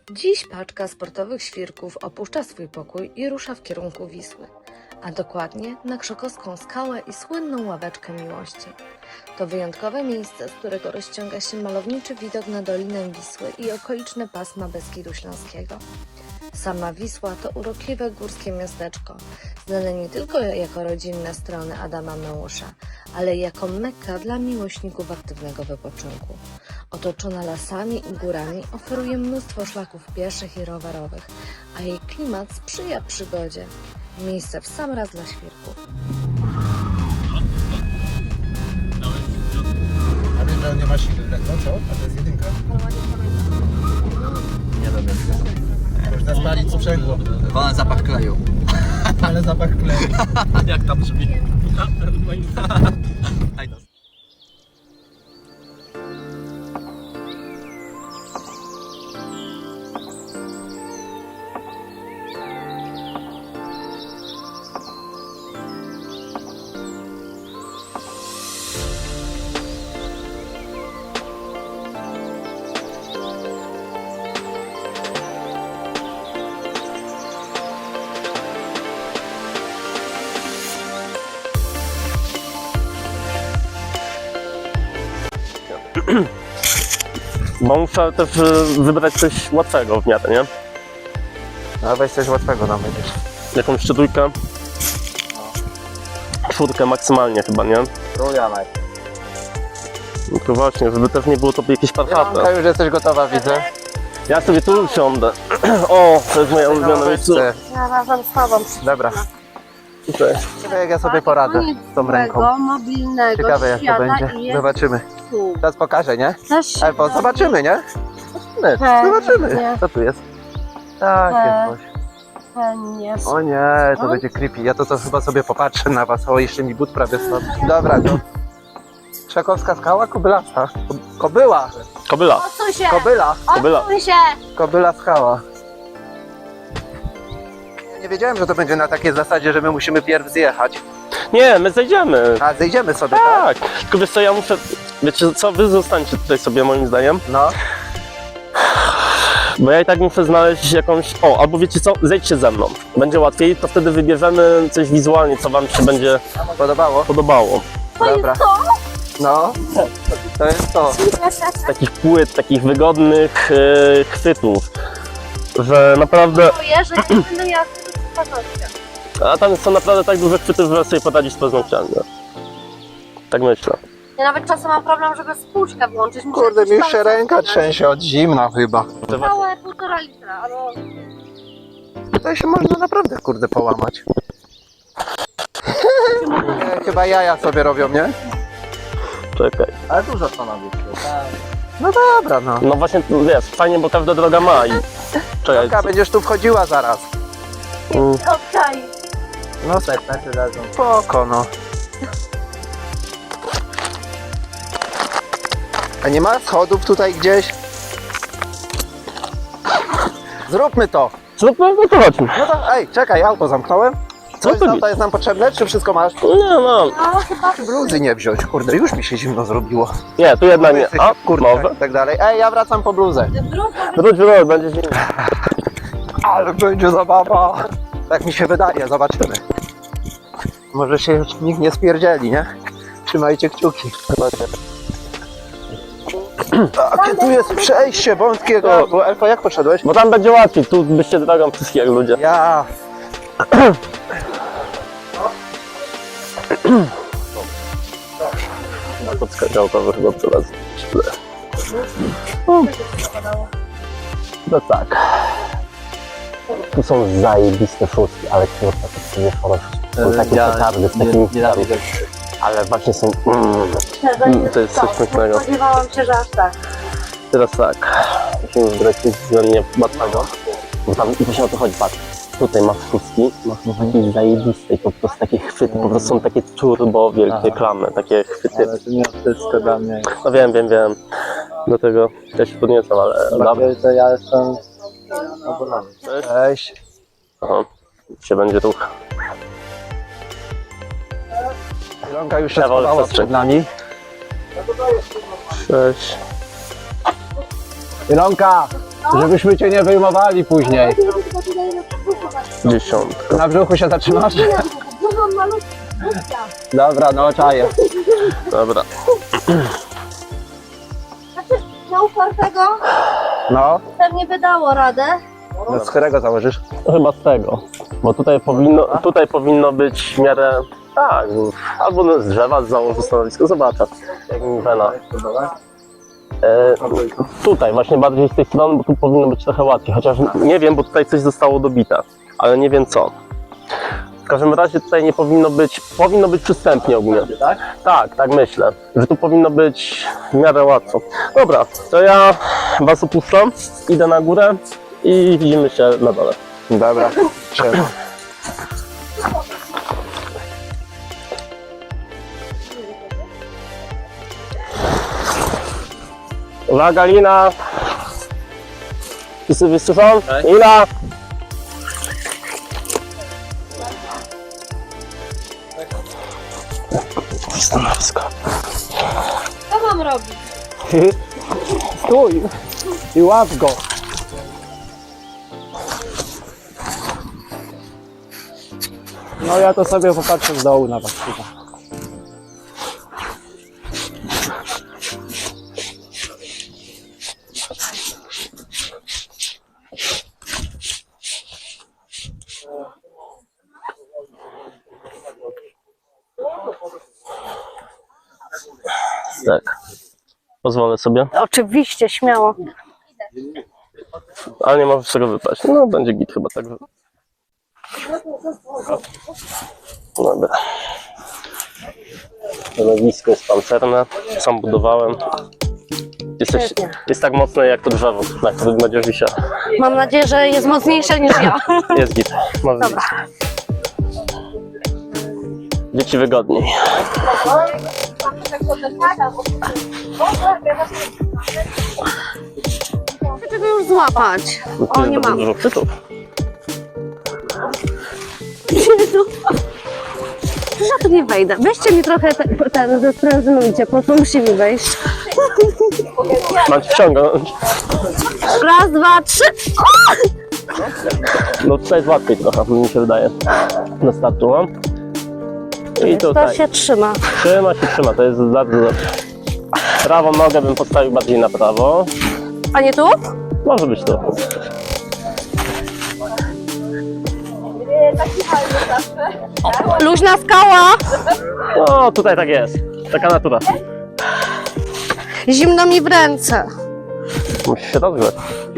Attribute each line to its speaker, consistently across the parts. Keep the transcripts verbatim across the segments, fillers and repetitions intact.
Speaker 1: Dziś paczka sportowych świrków opuszcza swój pokój i rusza w kierunku Wisły, a dokładnie na Krzykowską skałę i słynną ławeczkę miłości. To wyjątkowe miejsce, z którego rozciąga się malowniczy widok na Dolinę Wisły i okoliczne pasma Beskidu Śląskiego. Sama Wisła to urokliwe górskie miasteczko, znane nie tylko jako rodzinne strony Adama Mełusza, ale i jako Mekka dla miłośników aktywnego wypoczynku. Otoczona lasami i górami oferuje mnóstwo szlaków pieszych i rowerowych, a jej klimat sprzyja przygodzie. Miejsce w sam raz dla świrków.
Speaker 2: A wiesz, że on nie ma siły, no co? A to jest jedynka. Nie wiem. Można spalić sprzęgło.
Speaker 3: Wolny zapach kleju.
Speaker 2: Ale zapach kleju.
Speaker 3: Jak tam brzmi?
Speaker 4: Bo muszę też wybrać coś łatwego w miarę, nie?
Speaker 2: No weź coś łatwego nam będziesz.
Speaker 4: Jakąś trójkę. Czwórkę maksymalnie chyba, nie?
Speaker 2: Trójjanek.
Speaker 4: No to właśnie, żeby też nie było to jakieś parchate.
Speaker 2: Janka, już jesteś gotowa, widzę.
Speaker 4: Ja sobie tu usiądę. O, to jest moja ulubiona miejsce.
Speaker 5: Ja razem z tobą.
Speaker 2: Dobra.
Speaker 4: Tutaj.
Speaker 2: Ciekawe jak ja sobie poradzę z tą ręką.
Speaker 5: Mobilnego
Speaker 2: Ciekawe jak to
Speaker 5: świata
Speaker 2: będzie.
Speaker 5: i jest
Speaker 2: Zobaczymy.
Speaker 5: tu.
Speaker 2: Teraz pokażę, nie?
Speaker 5: Też
Speaker 2: Albo zobaczymy, nie? Zobaczymy. Zobaczymy. Co tu jest? Tak, jest coś.
Speaker 5: pewnie.
Speaker 2: O nie, to będzie creepy. Ja to, to chyba sobie popatrzę na was. O, jeszcze mi but prawie stąd. Dobra, to. Krzakowska skała, Kobylasta. Ko- Kobyła.
Speaker 4: Kobyla.
Speaker 5: Odsuń się!
Speaker 2: Kobyla.
Speaker 4: Kobyla.
Speaker 5: Odsuń się!
Speaker 2: Kobyla skała. Ja nie wiedziałem, że to będzie na takiej zasadzie, że my musimy pierw zjechać.
Speaker 4: Nie, my zejdziemy.
Speaker 2: A zejdziemy sobie, tak?
Speaker 4: Tak. Tylko wiesz co, ja muszę... Wiecie co, wy zostańcie tutaj sobie moim zdaniem.
Speaker 2: No.
Speaker 4: Bo ja i tak muszę znaleźć jakąś... O, albo wiecie co, zejdźcie ze mną. Będzie łatwiej, to wtedy wybierzemy coś wizualnie, co wam się będzie
Speaker 2: Podobało?
Speaker 4: podobało.
Speaker 2: Dobra. No. To jest to.
Speaker 4: Takich płyt, takich wygodnych e, chwytów, że naprawdę,
Speaker 5: Czuję, że nie będę miała z paznokcia.
Speaker 4: a tam są naprawdę tak duże chwyty, że sobie poradzić z paznokciami. Tak myślę.
Speaker 5: Ja nawet czasem mam problem, żeby spłuczkę włączyć. Muszę
Speaker 2: Kurde, mi
Speaker 5: jakieś
Speaker 2: już się
Speaker 5: palce
Speaker 2: ręka
Speaker 5: wcisnąć.
Speaker 2: trzęsie od zimna chyba.
Speaker 5: Całe półtora litra, albo...
Speaker 2: Tutaj się można naprawdę, kurde, połamać. Nie, chyba jaja sobie robią, nie?
Speaker 4: Czekaj.
Speaker 2: Ale dużo stanowisko. No dobra, no.
Speaker 4: No właśnie, wiesz, fajnie, bo każda droga ma i... Czekaj,
Speaker 2: Janka, będziesz tu wchodziła zaraz.
Speaker 4: mm,
Speaker 5: Okej.
Speaker 2: No spoko, no. A nie ma schodów tutaj gdzieś? Zróbmy to.
Speaker 4: zróbmy, no to chodźmy.
Speaker 2: No to, ej, czekaj, auto zamknąłem.
Speaker 4: Co
Speaker 2: Coś
Speaker 4: to
Speaker 2: z
Speaker 4: mi-
Speaker 2: auta jest nam potrzebne, czy wszystko masz?
Speaker 4: Nie mam.
Speaker 5: No chyba...
Speaker 2: Bluzy nie wziąć, kurde, już mi się zimno zrobiło.
Speaker 4: Nie, tu jedna nie.
Speaker 2: Jesteś
Speaker 4: A,
Speaker 2: kurczak
Speaker 4: może?
Speaker 2: i tak dalej. Ej, ja wracam po bluzę.
Speaker 4: Wróć, wróć, będzie zimno.
Speaker 2: Ale będzie zabawa. Tak mi się wydaje, zobaczymy. Może się już nikt nie spierdzieli, nie? Trzymajcie kciuki. Takie tu jest przejście wątkiego. Bo Elfo, jak poszedłeś?
Speaker 4: Bo tam będzie łatwiej, tu byście drogą wszystkich jak ludzie.
Speaker 2: Ja.
Speaker 4: Na podskakałkowy chyba prowadzę. No tak. Tu są zajebiste szóstki, ale kurwa, to nie chorosz. Są takie petardy z takimi kwiatami. Ale właśnie są... Mm, mm, to jest coś pięknego.
Speaker 5: Spodziewałam się, że aż tak.
Speaker 4: Teraz tak. Musimy wybrać coś względnie łatwego. Bo tam i właśnie o to chodzi, patrz. Tutaj masz szóstki, masz takie zajebiste i po prostu takie chwyty, po prostu są takie turbo wielkie klamy, takie chwyty.
Speaker 2: Ale to nie wszystko dla mnie.
Speaker 4: No wiem, wiem, wiem. Do tego ja się podniecam, ale dobra.
Speaker 2: To ja jestem obolany. Cześć.
Speaker 4: Aha, się będzie ruch.
Speaker 2: Ilonka już się
Speaker 4: Ja wolę
Speaker 2: schowała
Speaker 4: wsteczny.
Speaker 2: przed nami.
Speaker 4: Cześć.
Speaker 2: Ilonka! Żebyśmy cię nie wyjmowali później.
Speaker 4: Dziesiątka.
Speaker 2: Na brzuchu się zatrzymasz? Dobra, no czaję.
Speaker 4: Dobra.
Speaker 5: Znaczy, na upartego
Speaker 2: No,
Speaker 5: pewnie by dało radę.
Speaker 2: no z którego założysz?
Speaker 4: Chyba z tego. Bo tutaj powinno, tutaj powinno być w miarę... Tak, albo no z drzewa założę stanowisko, zobaczę. Jak mi wena. E, tutaj właśnie bardziej z tej strony, bo tu powinno być trochę łatwiej. Chociaż nie wiem, bo tutaj coś zostało dobite. Ale nie wiem co. W każdym razie tutaj nie powinno być... Powinno być przystępnie ogólnie.
Speaker 3: Tak?
Speaker 4: Tak, tak myślę, że tu powinno być w miarę łatwo. Dobra, to ja was opuszczam, idę na górę i widzimy się na dole.
Speaker 2: Dobra, trzeba.
Speaker 4: Uwaga, Lina! Wszyscy wysłyszą?
Speaker 3: Tak.
Speaker 4: Lina! Stanowisko.
Speaker 5: Co mam robić?
Speaker 2: Stój i łap go. No ja to sobie popatrzę z dołu na was. Chyba.
Speaker 4: Tak. Pozwolę sobie,
Speaker 5: Oczywiście, śmiało.
Speaker 4: ale nie możesz tego wypaść. No będzie git chyba tak. Dobra. Stanowisko jest pancerne, sam budowałem. Jesteś,
Speaker 5: Świetnie.
Speaker 4: jest tak mocne jak to drzewo, na którym będziesz wisiał.
Speaker 5: Mam nadzieję, że jest mocniejsze niż ja.
Speaker 4: Jest git. Może
Speaker 5: Dobra.
Speaker 4: Dzieci wygodniej.
Speaker 5: Czego już złapać?
Speaker 4: No tu
Speaker 5: O,
Speaker 4: jest
Speaker 5: nie
Speaker 4: bardzo
Speaker 5: mam.
Speaker 4: dużo chwytów.
Speaker 5: Jezu. Przecież ja tu nie wejdę. Weźcie mi trochę te, ten, zesprężynujcie, po co musi mi wejść.
Speaker 4: Mam ci wciągnąć.
Speaker 5: Raz, dwa, trzy.
Speaker 4: No tutaj jest łatwiej trochę, mi się wydaje. Na startu mam. I
Speaker 5: To
Speaker 4: tutaj.
Speaker 5: się trzyma.
Speaker 4: Trzyma się, trzyma, to jest bardzo dobrze. Prawą nogę bym postawił bardziej na prawo.
Speaker 5: A nie tu?
Speaker 4: Może być to.
Speaker 5: Luźna skała.
Speaker 4: No tutaj tak jest. Taka natura.
Speaker 5: Zimno mi w ręce.
Speaker 4: Musisz się rozgrzać.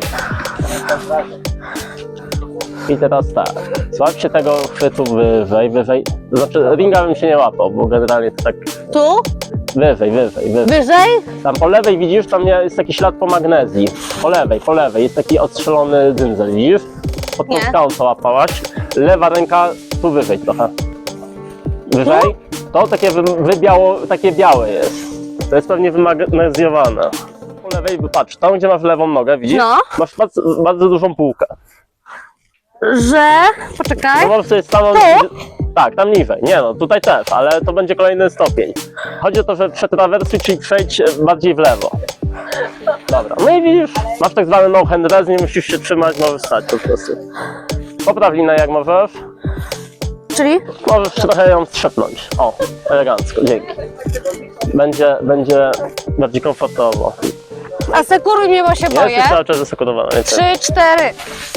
Speaker 4: I teraz tak. Złap się tego chwytu wyżej, wyżej. To znaczy ringa bym się nie łapał, bo generalnie to tak
Speaker 5: Tu?
Speaker 4: wyżej, wyżej, wyżej.
Speaker 5: Wyżej?
Speaker 4: Tam po lewej widzisz, tam jest taki ślad po magnezji. Po lewej, po lewej jest taki odstrzelony dzyndzel, widzisz? Pod tą
Speaker 5: Nie.
Speaker 4: skałą co łapałaś. Lewa ręka tu wyżej trochę. Wyżej? To takie wy, wybiało, takie białe jest. To jest pewnie wymagnezjowane. Po lewej, patrz, tam gdzie masz lewą nogę, widzisz?
Speaker 5: No.
Speaker 4: Masz bardzo, bardzo dużą półkę.
Speaker 5: Że... Poczekaj.
Speaker 4: No możesz sobie stanąć...
Speaker 5: Tu?
Speaker 4: Tak, tam niżej. Nie no, tutaj też, ale to będzie kolejny stopień. Chodzi o to, że przetrawersuj, czyli przejdź bardziej w lewo. Dobra, no i widzisz, masz tak zwany no hand rest, nie musisz się trzymać, możesz stać po prostu. Popraw linę jak możesz.
Speaker 5: Czyli?
Speaker 4: Możesz trochę ją strzepnąć. O, elegancko, dzięki. Będzie, będzie bardziej komfortowo.
Speaker 5: Asekuruj mnie, bo się boję.
Speaker 4: Jesteś cały czas zasekurowana. więc-
Speaker 5: Trzy, cztery.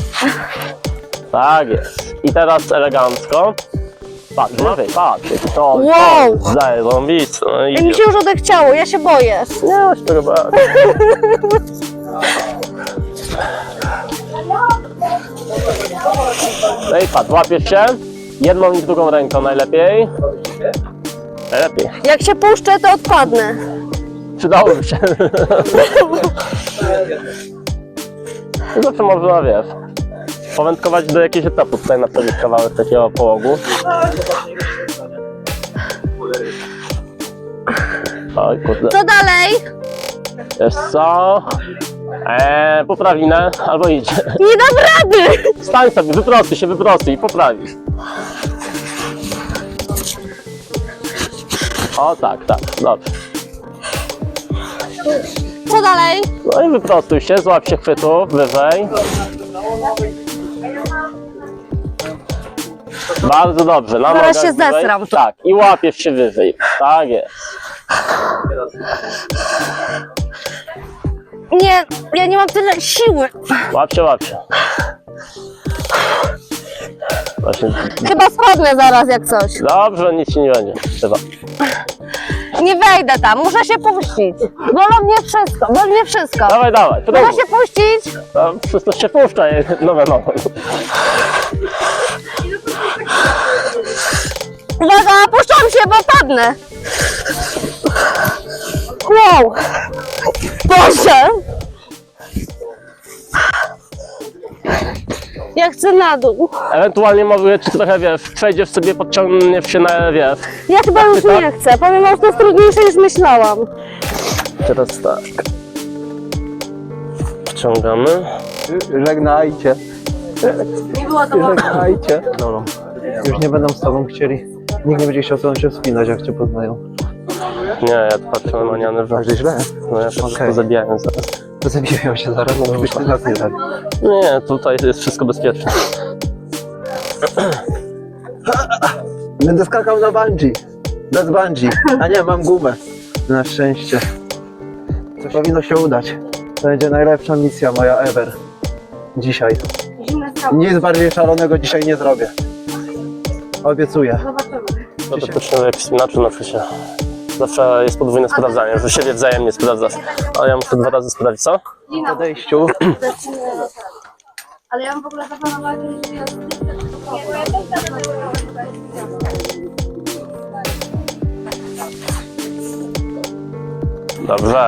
Speaker 4: Tak jest. I teraz elegancko. Patrz, wyżej, patrz. To,
Speaker 5: Wow.
Speaker 4: to zajebiste. No i
Speaker 5: Jak mi się już odechciało, ja się boję.
Speaker 4: nie ma się tego bać. No i patrz, łapiesz się. Jedną i drugą ręką najlepiej. Najlepiej.
Speaker 5: Jak się puszczę, to odpadnę.
Speaker 4: Przydałoby się. Zawsze można, wiesz, powędkować do jakiegoś etapu. Tutaj naprawić kawałek takiego połogu. Oj, kurde.
Speaker 5: Co dalej?
Speaker 4: Wiesz co? Eee, poprawinę, albo idź.
Speaker 5: Nie dam rady.
Speaker 4: Stań sobie, wyprostuj się, wyprostuj i poprawisz. O tak, tak, dobrze.
Speaker 5: co dalej?
Speaker 4: No i wyprostuj się, złap się chwytu wyżej. Bardzo dobrze, na
Speaker 5: Zaraz
Speaker 4: nogach
Speaker 5: się
Speaker 4: wyżej.
Speaker 5: zesram.
Speaker 4: Tak, i łapiesz się wyżej. Tak jest.
Speaker 5: Nie, ja nie mam tyle siły.
Speaker 4: Łap się, łap się. Właśnie.
Speaker 5: Chyba spadnę zaraz jak coś.
Speaker 4: Dobrze, nic ci nie będzie. Chyba.
Speaker 5: Nie wejdę tam, muszę się puścić. Bolą mnie wszystko, boli mnie wszystko.
Speaker 4: Dawaj, dawaj,
Speaker 5: Muszę
Speaker 4: próbuj.
Speaker 5: się puścić.
Speaker 4: Tam wszystko się puszcza, jest nowe, nowe.
Speaker 5: Uwaga, puszczam się, bo padnę. Wow. Boże. Ja chcę na dół.
Speaker 4: Ewentualnie może ci trochę, wiesz, przejdziesz sobie, podciągniesz się na, wiesz.
Speaker 5: Ja chyba już nie chcę. Powiem wam, że to jest trudniejsze niż myślałam.
Speaker 4: Teraz tak. Wciągamy.
Speaker 2: Żegnajcie.
Speaker 5: Nie było to łatwe.
Speaker 2: Żegnajcie. No, już nie będą z tobą chcieli. Nikt nie będzie chciał z tobą się wspinać, jak cię poznają.
Speaker 4: Nie, ja tu patrzę na maniany, że...
Speaker 2: Tak, że źle.
Speaker 4: No ja to
Speaker 2: Okej.
Speaker 4: pozabijają zaraz.
Speaker 2: To zabijają się zaraz, no byś ty nas nie zabił.
Speaker 4: Nie, tutaj jest wszystko bezpieczne.
Speaker 2: Będę skakał na bungee. Bez bungee. A nie, mam gumę. Na szczęście. Coś powinno się udać. To będzie najlepsza misja moja ever. Dzisiaj. Nic bardziej szalonego dzisiaj nie zrobię. Obiecuję.
Speaker 4: No to też jak wspinaczy zawsze się... Zawsze jest podwójne sprawdzanie, że siebie wzajemnie sprawdzasz. Ale ja muszę dwa razy sprawdzić, co?
Speaker 2: Po podejściu.
Speaker 5: Ale ja mam w ogóle zaplanowane, że ja
Speaker 4: Dobrze.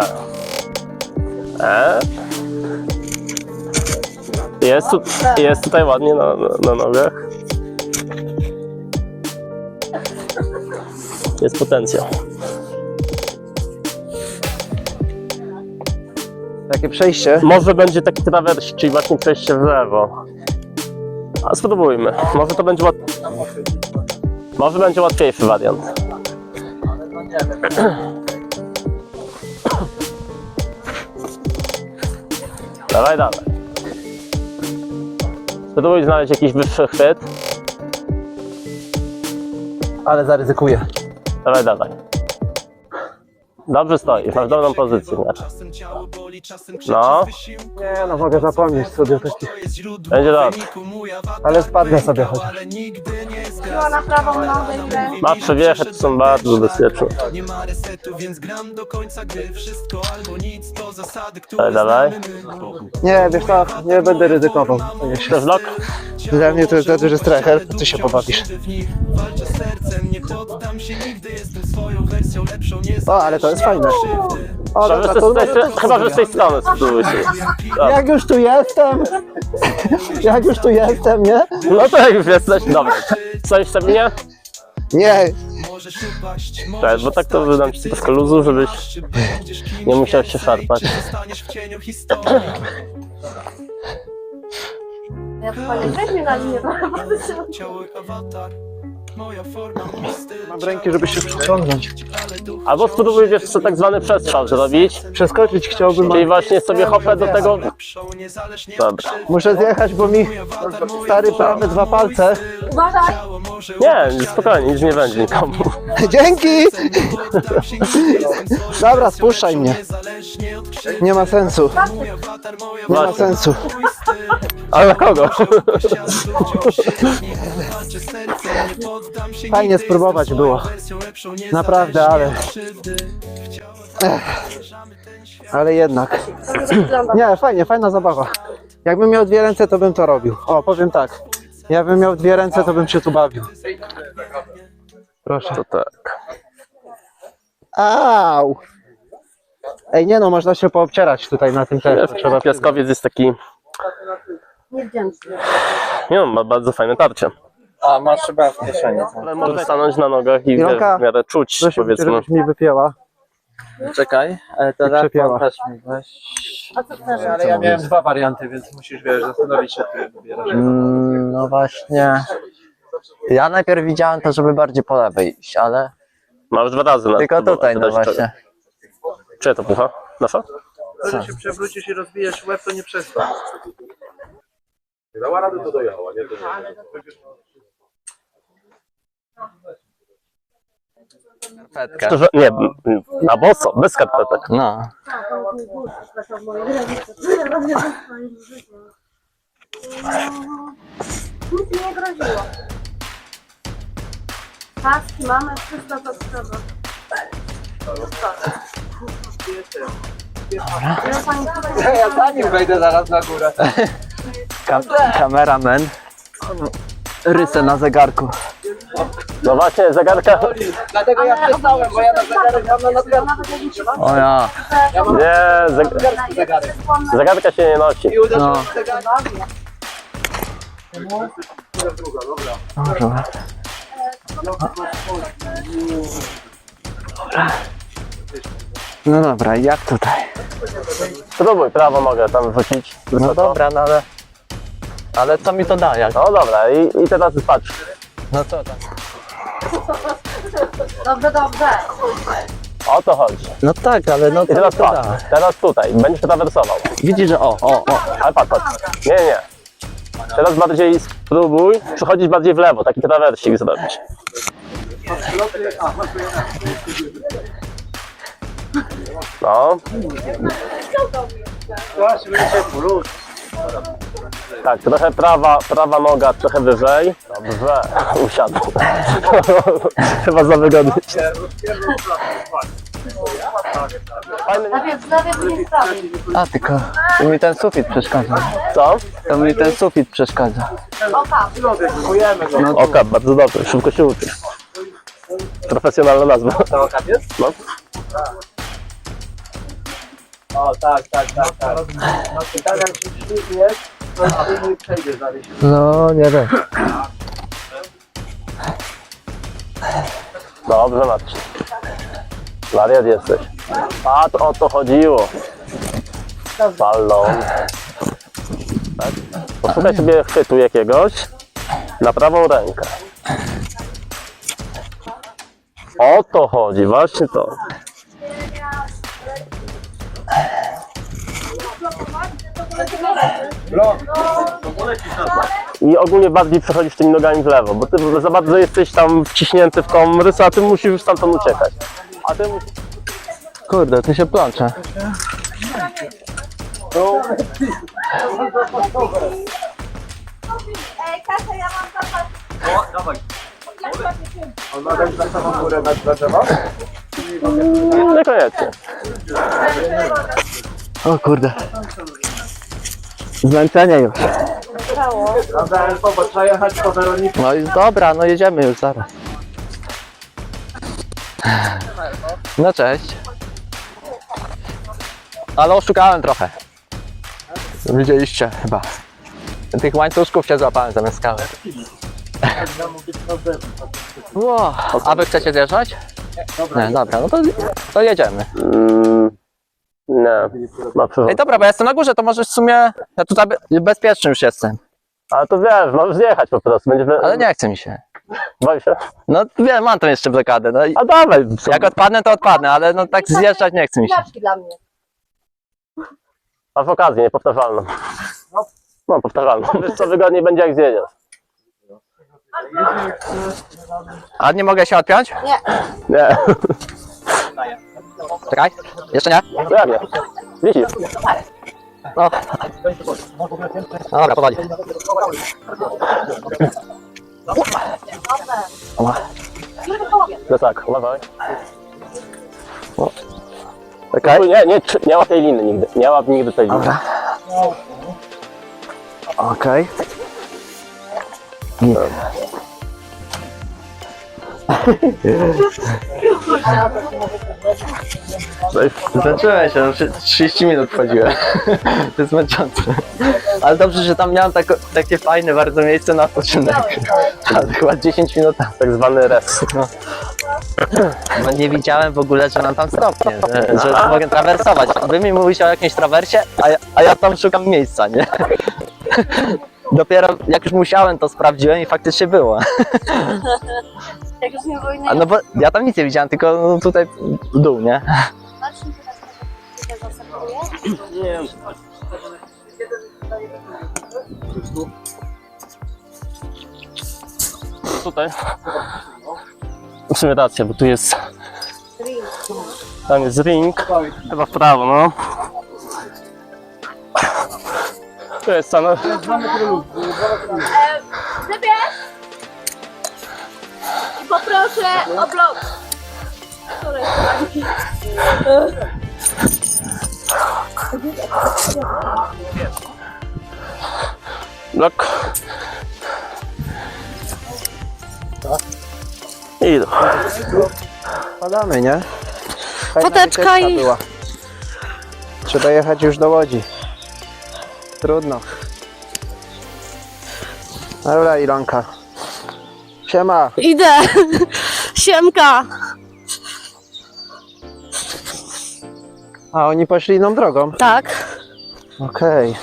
Speaker 4: E? Jest, tu, jest tutaj ładnie na, na, na nogach. Jest potencjał.
Speaker 2: Takie przejście.
Speaker 4: Może będzie taki trawers, czyli właśnie przejście w lewo. A spróbujmy. Może to będzie łat... Może będzie łatwiejszy wariant. Dawaj, dawaj. Spróbuj znaleźć jakiś wyższy chwyt.
Speaker 2: Ale zaryzykuję.
Speaker 4: Dawaj, dawaj. Dobrze stoisz, masz dobrą pozycję. Nie? No,
Speaker 2: Nie no, mogę zapomnieć sobie o takich.
Speaker 4: będzie dobrze.
Speaker 2: Ale spadnę sobie chociaż.
Speaker 5: na prawą nogę idę.
Speaker 4: Ma przewiechy, to są bardzo bezpieczne. Dawaj, dawaj.
Speaker 2: Nie, wiesz co, nie będę ryzykował.
Speaker 4: Chcesz blok?
Speaker 2: Dla mnie to jest za duży strecher, ty się pobawisz. O, ale to jest fajne. O,
Speaker 4: Chyba, że
Speaker 2: dobra,
Speaker 4: z tej-
Speaker 2: to, to, to,
Speaker 4: Chyba, że z tej strony spróbuj się.
Speaker 2: Jak już tu jestem, jak już tu jestem, nie?
Speaker 4: No to jak już jesteś, dobra. Stoisz stabilnie?
Speaker 2: Nie,
Speaker 4: Cześć, bo tak to wydam ci troszkę luzu, żebyś nie musiał się szarpać.
Speaker 5: Ja to panie, weź mnie na linię.
Speaker 2: mam ręki, żeby się przyciągnąć.
Speaker 4: Albo spróbuj wiesz co tak zwany przestrzał zrobić.
Speaker 2: Przeskoczyć chciałbym,
Speaker 4: Czyli właśnie sobie hopę do tego... Dobra.
Speaker 2: muszę zjechać, bo mi stary prawy dwa palce.
Speaker 4: Nie, spokojnie, nic nie będzie nikomu.
Speaker 2: Dzięki! Dobra, spuszczaj mnie. Nie ma sensu. Nie ma
Speaker 4: Właśnie.
Speaker 2: sensu.
Speaker 4: Ale na kogo?
Speaker 2: Fajnie spróbować było. Naprawdę, ale... Ech. Ale jednak. Nie, fajnie, fajna zabawa. Jakbym miał dwie ręce, to bym to robił. O, powiem tak. Jakbym miał dwie ręce, to bym się tu bawił. Proszę.
Speaker 4: To tak.
Speaker 2: Au! Ej, nie no, można się poobcierać tutaj na tym też.
Speaker 4: Trzeba piaskowiec jest taki...
Speaker 5: Niewdzięczny.
Speaker 4: Nie no, ma bardzo fajne tarcie.
Speaker 3: A masz chyba w kieszeni.
Speaker 4: Ale możesz stanąć na nogach i
Speaker 2: Ilonka,
Speaker 4: w miarę czuć,
Speaker 2: Proszę,
Speaker 4: powiedzmy.
Speaker 2: żebyś mi wypięła.
Speaker 3: Czekaj, ale
Speaker 2: przepięła.
Speaker 3: telefon też mi weź.
Speaker 5: A co chcesz?
Speaker 3: Ale ja miałem dwa warianty, więc musisz, wiesz, zastanowić się, ty wybierasz.
Speaker 6: Mm, no właśnie. Ja najpierw widziałem to, żeby bardziej po lewej iść, ale
Speaker 4: Masz dwa razy na
Speaker 6: tylko
Speaker 4: spróbować,
Speaker 6: tutaj, no
Speaker 4: dać czego.
Speaker 6: właśnie.
Speaker 4: Czyja to pucha? Nasza?
Speaker 3: To, że się przewrócisz i rozbijesz łeb, to nie przestań.
Speaker 7: Dała radę, to dojechała, nie? To nie.
Speaker 6: Skarpetkę.
Speaker 4: Szczerze, nie, na boso, bez skarpetek.
Speaker 6: No.
Speaker 5: Nic mi nie groziło. Paski mamy, wszystko to trzeba.
Speaker 3: Ja za nim wejdę zaraz na górę.
Speaker 6: Kam kameraman. Rysę na zegarku.
Speaker 4: No właśnie, zegarka.
Speaker 3: Dlatego ja przestałem, bo ja na zegarek mam na nadgarstku.
Speaker 6: O ja.
Speaker 4: Nie, zeg
Speaker 3: Zegarek.
Speaker 4: zegarka się nie nosi.
Speaker 3: I uderzył
Speaker 6: No.
Speaker 3: w zegarek.
Speaker 6: Dobra. No dobra, jak tutaj?
Speaker 4: Spróbuj, prawo mogę tam wrzucić.
Speaker 6: No dobra, no ale... Ale co mi to da? Jak?
Speaker 4: No dobra, i, i teraz patrz.
Speaker 6: No co tam?
Speaker 5: Dobrze, dobrze.
Speaker 4: O to chodzi.
Speaker 6: No tak, ale no
Speaker 4: I
Speaker 6: co mi
Speaker 4: teraz
Speaker 6: to
Speaker 4: patrz,
Speaker 6: da?
Speaker 4: teraz tutaj, będziesz trawersował.
Speaker 6: Widzisz, że o, o, o.
Speaker 4: Ale patrz, patrz. Nie, nie. Teraz bardziej spróbuj przechodzić bardziej w lewo, taki trawersik zrobić. No. Tak, trochę prawa, prawa noga trochę wyżej. Dobrze, usiadł. Chyba za wygodnie. Fajny,
Speaker 5: Najpierw z lewej, później z prawej.
Speaker 6: A, tylko to mi ten sufit przeszkadza.
Speaker 4: co?
Speaker 6: To mi ten sufit przeszkadza.
Speaker 5: Oka.
Speaker 6: No,
Speaker 4: Oka, bardzo dobrze, szybko się uczy. Profesjonalna nazwa.
Speaker 3: To okaz jest?
Speaker 4: No.
Speaker 3: O, tak, tak, tak, tak. I tak jak się ślizgniesz, to ty nie przejdziesz dalej.
Speaker 6: no nie wiem.
Speaker 4: Dobrze, Marcin. Wariat jesteś. A to o to chodziło. Ballon. Tak? Poszukaj sobie chwytu jakiegoś na prawą rękę. O to chodzi, właśnie to. I ogólnie bardziej przechodzisz tymi nogami w lewo, bo ty za bardzo jesteś tam wciśnięty w tą rysę, a ty musisz już stamtąd uciekać. A ty musisz...
Speaker 6: Kurde, ty się plącze.
Speaker 5: Ej, Kasia, ja mam zapas.
Speaker 3: O, dawaj. On ma dać na samą górę na na drzewo?
Speaker 4: Niekoniecznie.
Speaker 6: O kurde. Zmęczenie już.
Speaker 3: Dobra, bo trzeba jechać po Weronikę.
Speaker 6: No i dobra, no jedziemy już zaraz. No cześć. Ale oszukałem trochę. Widzieliście chyba. Tych łańcuszków się złapałem zamiast kawy. Ło, a wy chcecie zjeżdżać? Nie, dobra, no to, to jedziemy.
Speaker 4: Mm, nie, ma przewód.
Speaker 6: Ej, dobra, bo ja jestem na górze, to możesz w sumie... Ja tutaj be- bezpieczny już jestem.
Speaker 4: Ale to wiesz, możesz zjechać po prostu. Będzie wy...
Speaker 6: Ale nie chce mi się.
Speaker 4: Boi się?
Speaker 6: No wiem, mam tam jeszcze blokadę. No i
Speaker 4: A dawaj.
Speaker 6: jak odpadnę, to odpadnę, ale no tak zjeżdżać nie chce mi się.
Speaker 5: Znaczki dla mnie.
Speaker 4: Masz okazję, niepowtarzalną. No, powtarzalną. Wiesz co, wygodniej będzie jak zjedziesz.
Speaker 6: A nie mogę się odpiąć?
Speaker 4: Nie.
Speaker 6: Czekaj, jeszcze nie?
Speaker 4: No jak nie? Wisisz.
Speaker 6: No. No dobra, powoli. Oła.
Speaker 4: No tak, uważaj. Czekaj. Nie, nie, trzy- nie łap tej liny nigdy. Nie łap nigdy tej liny.
Speaker 6: Dobra. Okej. Nie. Zacząłem się, no, trzydzieści minut wchodziłem. To jest męczące. Ale dobrze, że tam miałem tako, takie fajne bardzo miejsce na odpoczynek. Ale chyba dziesięć minut tam.
Speaker 4: Tak zwany res.
Speaker 6: No. Bo nie widziałem w ogóle, że mam tam stopnie, że, że mogę trawersować. Wy mi mówicie o jakimś trawersie, a ja, a ja tam szukam miejsca, nie? Dopiero jak już musiałem, to sprawdziłem i faktycznie było.
Speaker 5: Jak już nie było
Speaker 6: A
Speaker 5: innej
Speaker 6: no bo ja tam nic nie widziałem, tylko no tutaj w dół, nie?
Speaker 5: Marcin teraz tutaj zaserwuje.
Speaker 4: Nie. Tutaj. W sumie racja, bo tu jest. Tam jest ring. Chyba w prawo, no. To jest same.
Speaker 5: I poproszę o blok.
Speaker 4: Blok. I do.
Speaker 2: Padamy, nie? Fajna
Speaker 5: Foteczka
Speaker 2: wycieczka
Speaker 5: i-
Speaker 2: była. Trzeba jechać już do Łodzi. Trudno. Dobra, Ilonka. Siema.
Speaker 5: Idę. Siemka.
Speaker 2: A oni poszli inną drogą.
Speaker 5: Tak.
Speaker 2: Okej.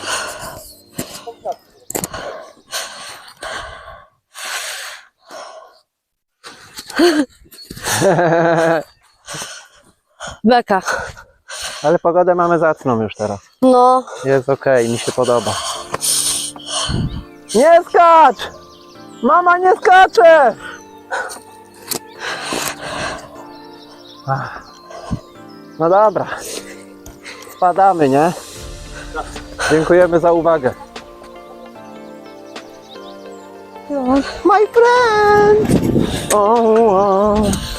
Speaker 5: Beka.
Speaker 2: Ale pogodę mamy zacną już teraz.
Speaker 5: No.
Speaker 2: Jest okej, mi się podoba. Nie skacz! Mama nie skacze! Ach. No dobra. Spadamy, nie? Dziękujemy za uwagę. My friend! Oh, oh.